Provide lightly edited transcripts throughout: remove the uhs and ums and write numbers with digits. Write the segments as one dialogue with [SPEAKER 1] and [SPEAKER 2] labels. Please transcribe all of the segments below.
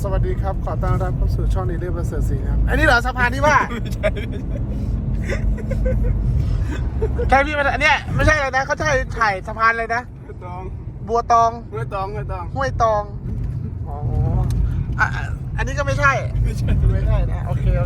[SPEAKER 1] สวัสดีครับขอต้อนรับเข้าสู่ช่องดีเดอร์ประเสริฐศรีครับอันนี้เหรอสะพานที่ว่าใช่พี่มันอันเนี้ยไม่ใช่เลยนะเขาใช่ถ่ายสะพานเลยนะ
[SPEAKER 2] ตอง
[SPEAKER 1] บัวตอง
[SPEAKER 2] ห้วยตอง
[SPEAKER 1] ห้วยตองอ๋ออันนี้ก็ไม่ใช่นะโอเค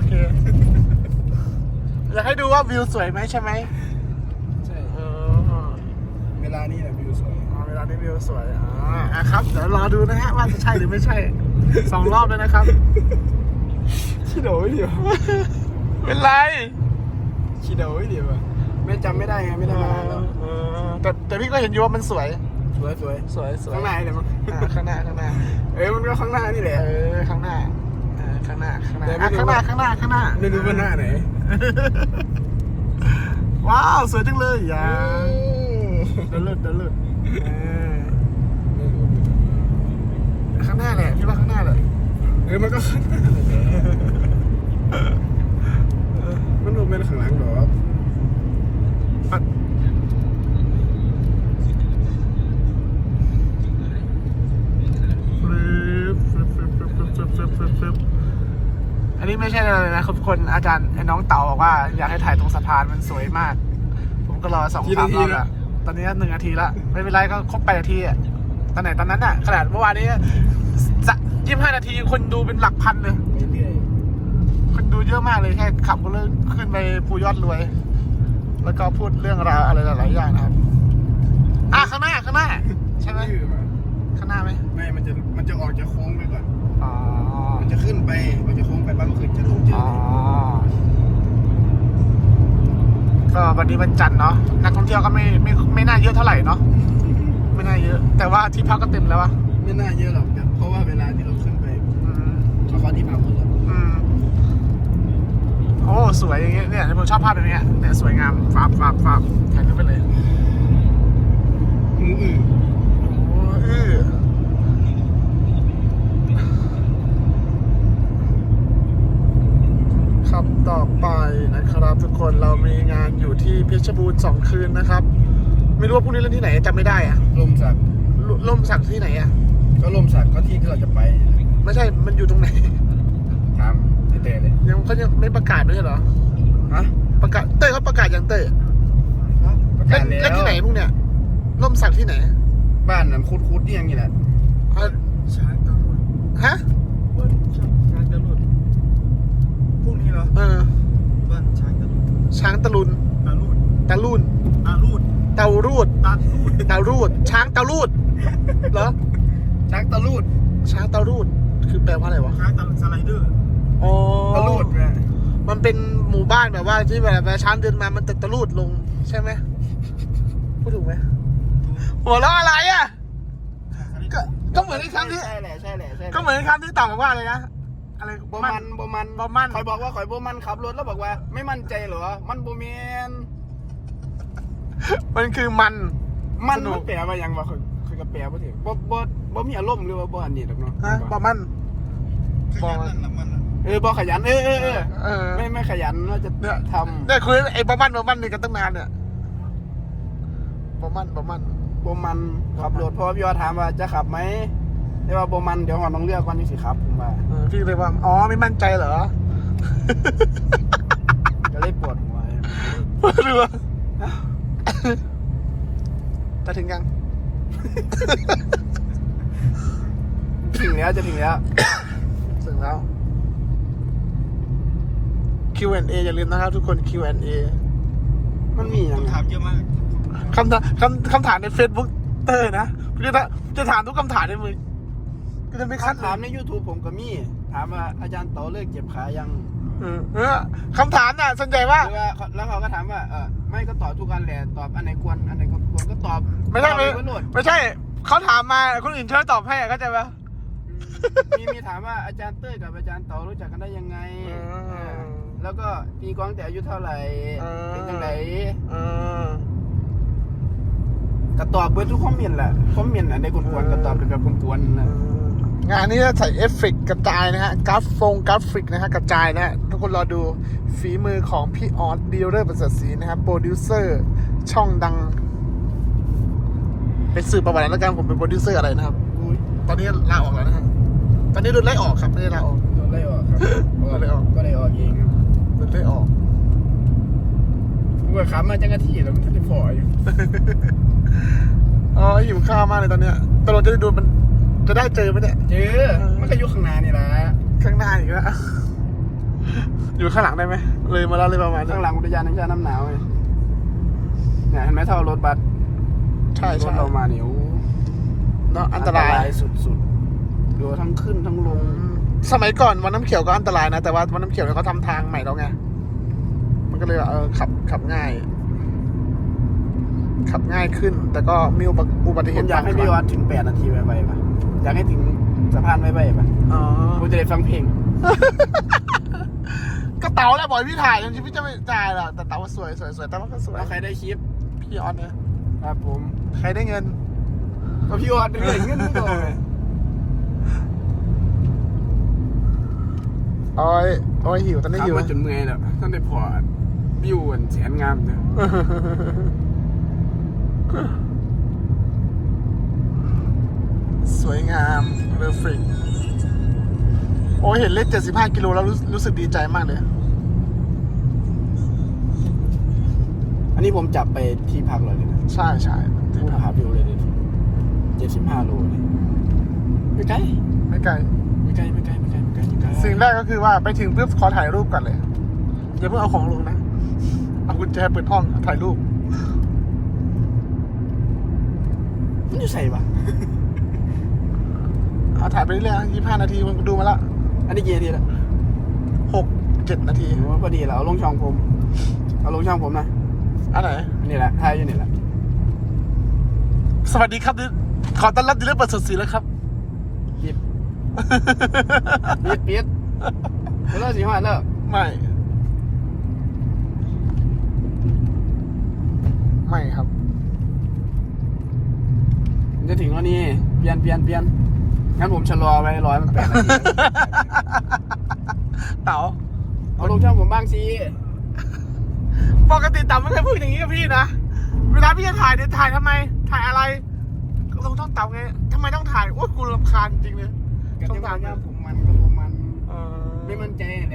[SPEAKER 1] อยากให้ดูว่าวิวสวยไหมใช่ไหม
[SPEAKER 2] ใช่เวลานี้แหละวิวสวย
[SPEAKER 1] เวลานี้วิวสวยครับเดี๋ยวรอดูนะฮะว่าจะใช่หรือไม่ใช่2 รอบแล้วนะครับ
[SPEAKER 2] ขี้โดยเดี๋ยว
[SPEAKER 1] เป็นไร
[SPEAKER 2] ขี้โดยเดี๋ยวไม่จำไม่ได้ไงไม่ได้มานานแล้ว
[SPEAKER 1] แต่พี่ก็เห็นอยู่ว่ามันสวย
[SPEAKER 2] ข้างหน้าเดี๋ยวมั้ง
[SPEAKER 1] ข้างหน้า
[SPEAKER 2] มันก็ข้างหน้านี่แหละ
[SPEAKER 1] ข้างหน้าข้างหน้า
[SPEAKER 2] ไม่รู้ว่าหน้าไหน
[SPEAKER 1] ว้าวสวยจังเลยอย่าเดินเลิศข้างหน้าแหละพี่ว่าข้างหน้าแหละ
[SPEAKER 2] มันก็ข้างหน้ามันดูเป็นข้างหลังหรอ
[SPEAKER 1] อันนี้ไม่ใช่อะไรเลยนะทุกคนอาจารย์ไอ้น้องเต่าบอกว่าอยากให้ถ่ายตรงสะพานมันสวยมากผมก็รอ2-3 รอบแล้วตอนนี้1 นาทีละไม่เป็นไรก็ครบ8 นาทีอ่ะตอนนั้นอ่ะขนาดเมื่อวานนี้25 นาทีคนดูเป็นหลักพันเลยคนดูเยอะมากเลยแค่ขับก็เลิกขึ้นไปภูยอดรวยแล้วก็พูดเรื่องราวอะไรหลายๆอย่างนะครับข้างหน้าใช่ไหมข้างหน้าไหม
[SPEAKER 2] ไม่มันจะออกจากโค้งไปก่อนมันจะขึ้นไปมันจะโค้งไปบ้างก็คือจะลงเจอ
[SPEAKER 1] ก็วันนี้วันจันทร์เนาะนักท่องเที่ยวก็ไม่น่าเยอะเท่าไหร่เนาะไม่น่าเยอะแต่ว่าที่พักก็เต็มแล้ววะ
[SPEAKER 2] ไม่น่าเยอะหรอกเพราะว่าเวลาที่เราขึ้นไปเขาที่พักหมดแล้ว
[SPEAKER 1] โอ้สวยอย่างเงี้ยเนี่ยผมชอบภาพแบบนี้เนี่ยสวยงามฟาบถ่ายรูปไปเลยครับต่อไปนะครับทุกคนเรามีงานอยู่ที่เพชรบูรณ์2 คืนนะครับไม่รู้ว่าพรุ่งนี้เล่นที่ไหนจำไม่ได้อะ
[SPEAKER 2] ลมสัก
[SPEAKER 1] ที่ไหนอะ
[SPEAKER 2] ก็ลมสักก็ที่เราจะไป
[SPEAKER 1] ไม่ใช่มันอยู่ตรงไหน
[SPEAKER 2] ถามเต้เลย
[SPEAKER 1] เขายังไม่ประกาศด้วยเหรอประกาศเต้เขาประกาศยังเต้
[SPEAKER 2] ประกาศแล้ว
[SPEAKER 1] ที่ไหนพวกเนี้ยล่มสักที่ไหน
[SPEAKER 2] บ้านน้ำคุดนี่อย่างนี้แหละช้างตะลุน
[SPEAKER 1] ฮะ
[SPEAKER 2] ช้างตะลุนพวกนี้เหรอบ้านช้างตะลุน
[SPEAKER 1] ช้างตะลุนตะลุนเตารูดช้างเตารูดเหรอ
[SPEAKER 2] ช้างตะ
[SPEAKER 1] รูดคือแปลว่าอะไรวะ
[SPEAKER 2] ช้างตะสไลเดอร์
[SPEAKER 1] ตะรูดมันเป็นหมู่บ้านแบบว่าที่แบบช้างเดินมามันตะรูดลงใช่ไหมพูดถูกไหมหัวเราะอะไรอ่ะก็เหมือนในคำที่
[SPEAKER 2] ใช่แหละ
[SPEAKER 1] ก็เหมือนในคำที่ต่อบอกว่าอะไรนะอะไร
[SPEAKER 2] บ่มันคอยบอกว่าคอยบ่มันขับรถแล้วบอกว่าไม่มั่นใจเหรอมันบ่แมน
[SPEAKER 1] มันคือมัน
[SPEAKER 2] แปลว่ายังวะคือกระแปลว่าถึงบ่มีอารมณ์หรือว่าบ่อันนี้หรอกเนาะ
[SPEAKER 1] บ่มัน
[SPEAKER 2] บ่ขยันไม่ขยันว่าจะทำ
[SPEAKER 1] ได้คุยไอ้บ่มันนี่กันตั้งนานเนี่ยบ่มัน
[SPEAKER 2] ขับรถเพราะพี่ว่าถามว่าจะขับไหมแต่ว่าบ่มันเดี๋ยวก่อนต้องเลือกวันที่สิครับผมว่า
[SPEAKER 1] พี่เลยว่าไม่มั่นใจเหรอ
[SPEAKER 2] ก็เลยปวดหัว
[SPEAKER 1] ดูว่าจะถึงยัง
[SPEAKER 2] จะถึงแล้ว
[SPEAKER 1] Q&A อย่าลืมนะครับทุกคน Q&A
[SPEAKER 2] มันมีคำถามเยอะมาก
[SPEAKER 1] คำถามใน Facebook เตอร์นะจะถามทุกคำถามในมือก็จะไม่คัด
[SPEAKER 2] ถามใน YouTube ผมก็มีถามว่าอาจารย์ต่อเลิกเจ็บขายัง
[SPEAKER 1] คำถามน่ะส่วนใหญ่ว่า
[SPEAKER 2] แล้วเขาก็ถามว่าไม่ก็ตอบทุกอันแหละตอบอันไหนควรอันไหนก็ควรก็ตอบ
[SPEAKER 1] ไม่ใช่เขาถามมาคนอื่นช่วยตอบให้เข้าใจปะ
[SPEAKER 2] มีถามว่าอาจารย์เต้ยกับอาจารย์ต่อรู้จักกันได้ยังไงแล้วก็ตีกลองแต่อายุเท่าไหร่เป็นยังไงก็ตอบเพื่อทุกคอมเมนต์แหละคอมเมนต์อันใดควรก็ตอบเป็นแบบควรนะ
[SPEAKER 1] งานนี้จะใส่เอฟเฟกต์กระจายนะฮะกราฟิกนะฮะกระจายนะฮะทุกคนรอดูฝีมือของพี่ออสดีลเลอร์ประเสริฐศรีนะครับโปรดิวเซอร์ช่องดังเป็นสื่อประวัติแล้วกันผมเป็นโปรดิวเซอร์อะไรนะครับตอนนี้ลาออกแล้วนะฮะตอนนี้โดนไล่ออกครับไม่ได้ลาออก
[SPEAKER 2] โดนไล่ออกครับ
[SPEAKER 1] โดนไล่ออก
[SPEAKER 2] ก็เลยออกเองครับ
[SPEAKER 1] โดนไล่ออก
[SPEAKER 2] กูก็ขับมาจังกะที่แล้วมันจะพออยู่
[SPEAKER 1] อ๋อหิวข้าวมากเลยตอนเนี้ยตกลงจะได้ดูมันจะได้เจอไหมเนี่ย
[SPEAKER 2] เจอมันก็อยู่ข้างหน้านี่แหละ
[SPEAKER 1] ข้างหน้าอีกแล้วอยู่ข้างหลังได้ไหมเลยมาแล้วเลยประมาณนั้น
[SPEAKER 2] ข้างหลังอุทยานแห่งชาติน้ำหนาวไงเนี่ยเห็นไหมเท่ารถบัส
[SPEAKER 1] ใช่
[SPEAKER 2] ร
[SPEAKER 1] ใช่
[SPEAKER 2] ถเรามาเนี่ยโอ้
[SPEAKER 1] เนาะอันตราย
[SPEAKER 2] สุดๆดูทั้งขึ้นทั้งลง
[SPEAKER 1] สมัยก่อนวันน้ำเขียวก็อันตรายนะแต่ว่าวันน้ำเขียวเนี่ยเขาทำทางใหม่แล้วไงมันก็เลยแบบขับง่าย ขับง่ายขึ้น แต่ก็มีอุบัติเห
[SPEAKER 2] ผม
[SPEAKER 1] ตุ
[SPEAKER 2] อยากให้พี่วัดถึง8 นาทีไปป่ะอยากให้ถึงสะพานไปป่ะ
[SPEAKER 1] อ๋อ
[SPEAKER 2] ผมจะได้ฟังเพลง
[SPEAKER 1] ก็เต๋าแหละบอกให้พี่ถ่ายจริงๆพี่จะไม่ถ่ายหรอกแต่เต๋าสวยแต่ว่าก็สวย
[SPEAKER 2] แล้วใครได้คลิป
[SPEAKER 1] พี่ออนเนี่ย
[SPEAKER 2] ครับผม
[SPEAKER 1] ใครได้เงิน
[SPEAKER 2] ก็พี่วัดเป็นเรื่องเงินก่อน
[SPEAKER 1] โอ้ยหิวตอนนี้
[SPEAKER 2] ขับ
[SPEAKER 1] หิว
[SPEAKER 2] มาจนเมื่อยแล้วท่านได้พอวิวแสนงามเลย
[SPEAKER 1] สวยงามเรฟริกโอ้ยเห็นเลข75 กิโลแล้วรู้สึกดีใจมากเลย
[SPEAKER 2] อันนี้ผมจับไปที่พักเลยนะ
[SPEAKER 1] ใช่ที่
[SPEAKER 2] ผู้
[SPEAKER 1] พัก
[SPEAKER 2] หาวิวเลยดิ75 โลเลยไม่ไกล
[SPEAKER 1] ไม่ไกล
[SPEAKER 2] ไม่ไกลไม่ไกลไม่ไกลไม่ไกลไม่ไกล
[SPEAKER 1] สิ่งแรกก็คือว่าไปถึงปุ๊บขอถ่ายรูปก่อนเลยอย่าเพิ่งเอาของลงนะเอากุญแจเปิดห้องถ่ายรูป
[SPEAKER 2] มันอยู่ใส่ปะ
[SPEAKER 1] เอาถ่ายไปเรื่อยๆ25 นาทีมันดูมาละ
[SPEAKER 2] อันนี้กี่นาทีละ
[SPEAKER 1] 6-7 นาที
[SPEAKER 2] ผมว่าพอดีแล้วเอาลงช่องผมเอาลงช่องผมนะ
[SPEAKER 1] อันไหน
[SPEAKER 2] นี่แหละถ่ายอยู่นี่แหละ
[SPEAKER 1] สวัสดีครับขอต้อนรับดีเลอร์เปิดสดสีแล้วครับ
[SPEAKER 2] ปิดปิดเลิกสิฮอดแล้ว
[SPEAKER 1] ไม่ครับ
[SPEAKER 2] จะถึงแล้วนี่เปลี่ยนงั้นผมชะลอไว้100 มัน8 นาที
[SPEAKER 1] เต๋า
[SPEAKER 2] เอาลงช่องผมบ้างสิ
[SPEAKER 1] ปกติเต๋าไม่เคยพูดอย่างนี้กับพี่นะเวลาพี่จะถ่ายเนี่ยถ่ายทำไมถ่ายอะไรลงช่องเต๋าไงทำไมต้องถ่ายโอ้ยกูรำคาญจริงเลย
[SPEAKER 2] กับ
[SPEAKER 1] ช่อง
[SPEAKER 2] ที่
[SPEAKER 1] เต๋า
[SPEAKER 2] ว่า
[SPEAKER 1] เนี่ย
[SPEAKER 2] ผมมันกับผมมัน
[SPEAKER 1] เออ
[SPEAKER 2] ไม่มั่นใจแหละ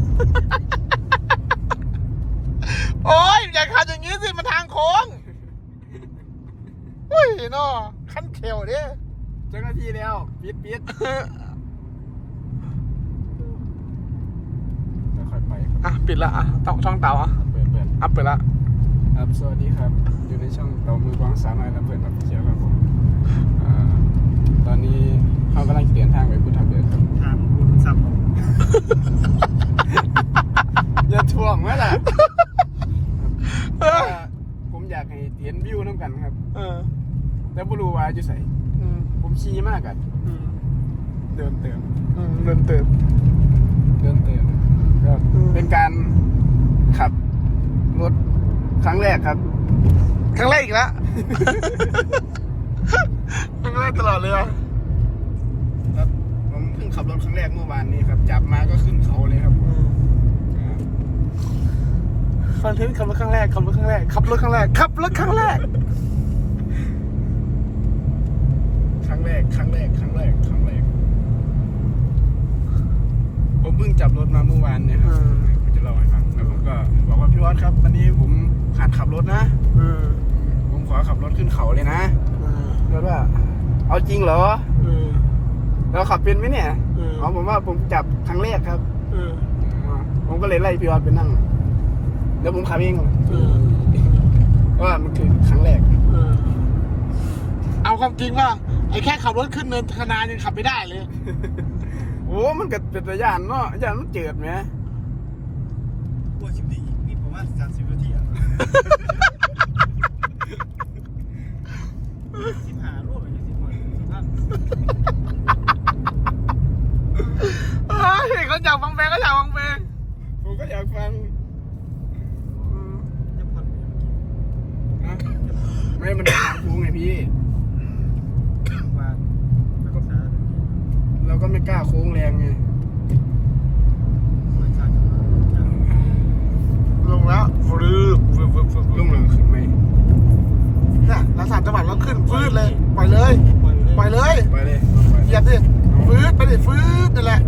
[SPEAKER 1] โอ้ยอย่าขับอย่างนี้สิมันทางโค้งอุ้ยเนาะขั้นเขียวดิ
[SPEAKER 2] เจ้าหน้าที่แล้วปิดค่อยไป
[SPEAKER 1] อ่ะปิดละอ่ะต้องช่องเต๋าอ่ะ
[SPEAKER 2] เปิด
[SPEAKER 1] อ่ะเปิดละ
[SPEAKER 2] ครับสวัสดีครับ อยู่ในช่องเตามือกวางสาวน้อยและเพื่อนรับเชียร์ครับผมตอนนี้เขากำลังจะเดินทางไปพุทธเบิกครับ
[SPEAKER 1] ถามคุณสับ
[SPEAKER 2] อย่าถ่วงไว้ล่ะผมอยากให้เห็นวิวน้ำกันครับ แต่ไม่รู้ว่าจะใส่ผมชี้มากอะเดินเติม
[SPEAKER 1] เริ่มเติม
[SPEAKER 2] ก็เป็นการขับรถครั้งแรกครับ
[SPEAKER 1] ครั้งแรกอีกแล้ว ครั้งแรกตลอดเลยอ่ะ
[SPEAKER 2] ครับผมเพิ่งขับรถครั้งแรกเมื่อวานนี้ครับจับมาก็ขึ้นเขาเลยครับ
[SPEAKER 1] คอนเทนต์ขับรถครั้งแรกขับรถครั้งแรกขับรถครั้งแรกขับรถครั้งแรก
[SPEAKER 2] ครั้งแรกผมเพิ่งจับรถมาเมื่อวานเนี่ยครับผมจะเล่าให้ฟังแล้วผมก็บอกว่าพี่วัดครับวันนี้ผมหัดขับรถนะผมขอขับรถขึ้นเขาเลยนะแล้วว่าเอาจริงเหรอเราขับเป็นไหมเนี่ยอ๋อผมว่าผมจับครั้งแรกครับผมก็เลยไล่พี่วัดไปนั่งแล้วผมขับเองเพราะว่ามันคือครั้งแรก
[SPEAKER 1] เอาความจริงว่าไอ้แค่ขับรถขึ้นเนินธนายังขับไม่ได้เลย
[SPEAKER 2] โอ้มันก็เป็นตัวย่านเนาะย่านมันเจิดไหม
[SPEAKER 3] ตัวชิมดีนี่ผมว่า30 นาทีอ่ะ15 โลไป20 คน
[SPEAKER 1] เฮ้ยเขาอยากฟังเพลงก็อยากฟังเพลง
[SPEAKER 2] ผมก็อยากฟัง
[SPEAKER 3] จะผ่อน
[SPEAKER 2] ไม่มันทางโค้งไงพี่
[SPEAKER 3] ว่าแล้วก็ขา
[SPEAKER 2] เราก็ไม่กล้าโค้งแรงไง
[SPEAKER 3] เหมือนขาด
[SPEAKER 1] ลงแล้วฟืบ
[SPEAKER 2] ลงหลังขึ้นไหม
[SPEAKER 1] เนี่ยแล้ว3 จังหวัดแล้วขึ้นฟืดเลยปล่อยเลย
[SPEAKER 3] ปล่อย
[SPEAKER 1] ปล่อยเลย
[SPEAKER 2] ไปเลย
[SPEAKER 1] เหยียบดิ
[SPEAKER 2] เอา
[SPEAKER 1] ฟื้นไปดิฟื้นนั่นแหละ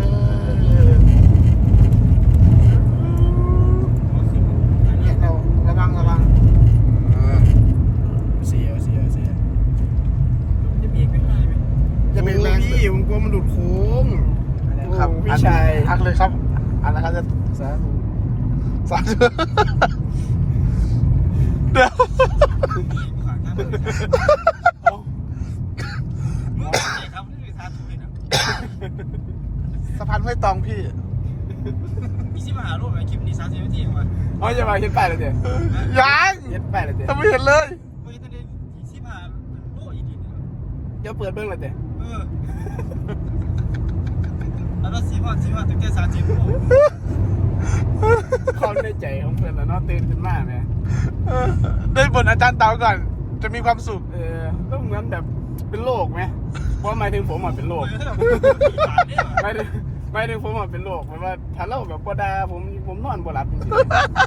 [SPEAKER 1] เนี่ยเราระวัง
[SPEAKER 2] เสีย
[SPEAKER 3] จะมีอีกไม่ได้ไหม
[SPEAKER 1] จะเบรกแรง
[SPEAKER 2] พี่ผมกลัวมันหลุดโค้ง
[SPEAKER 1] ครับ
[SPEAKER 2] พี่ชาย
[SPEAKER 1] อักเลยครับอันนะครับจะ
[SPEAKER 2] สาธุ
[SPEAKER 1] สาธุเดี๋ยว
[SPEAKER 3] ขวางทางเลยมึงใจครับนี่คือทางถูกเลยนะ
[SPEAKER 1] สะพานห้วยตองพี่
[SPEAKER 3] มีสิมาหาลูกไหมคลิปนี้30 นาทีมา
[SPEAKER 2] เอาจะมาเห็นป้ายเลยเจ๊
[SPEAKER 1] ยัง
[SPEAKER 2] เห็นป้ายเลยเจ๊
[SPEAKER 1] ยังไม่เห็นเลย
[SPEAKER 3] เฮ้ยตอนนี้สิมาโลอีดีเนี่ย
[SPEAKER 2] เดี๋ยวเปิดเบิ้งเลยเจ๊
[SPEAKER 3] แล้วก็สิมาตั้งแต่30โมง
[SPEAKER 2] ความในใจของเพื่อนแล้วเนาะตื่นขึ้นมาไหม
[SPEAKER 1] ได้บนอาจารย์เต๋าก่อน จะมีความสุข
[SPEAKER 2] ต้องเหมือนแบบเป็นโรคไหมเพราะหมายถึงผมอ่ะเป็นโรคหมายถึงผมอ่ะเป็นโรคหมายว่าถ้าเราแบบบ่ด่าผมนอนบ่หลับจริง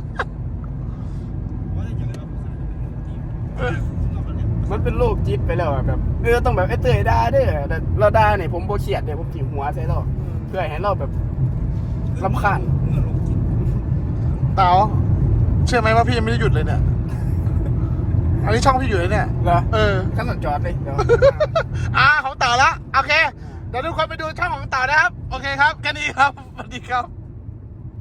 [SPEAKER 2] ๆมันเป็นโรคจิตไปแล้วอะแบบต้องแบบไอ้เตยด่าเด้อแต่เราด่าเนี่ยผมบ่เครียดเด้ผมจิ๋วหัวใส่เราเพื่อให้เราแบบรำคาญ
[SPEAKER 1] เต๋าเชื่อไหมว่าพี่ยังไม่ได้หยุดเลยเนี่ย อันนี้ช่องพี่อยู่เลยเนี่ย
[SPEAKER 2] เหรอ
[SPEAKER 1] ขั้นตอนจอดเลย
[SPEAKER 2] เดี๋ยว
[SPEAKER 1] ของเต๋าละโอเค เดี๋ยวทุกคนไปดูช่องของเต๋านะครับ โอเคครับแค่นี้ครับสวัสดีครับ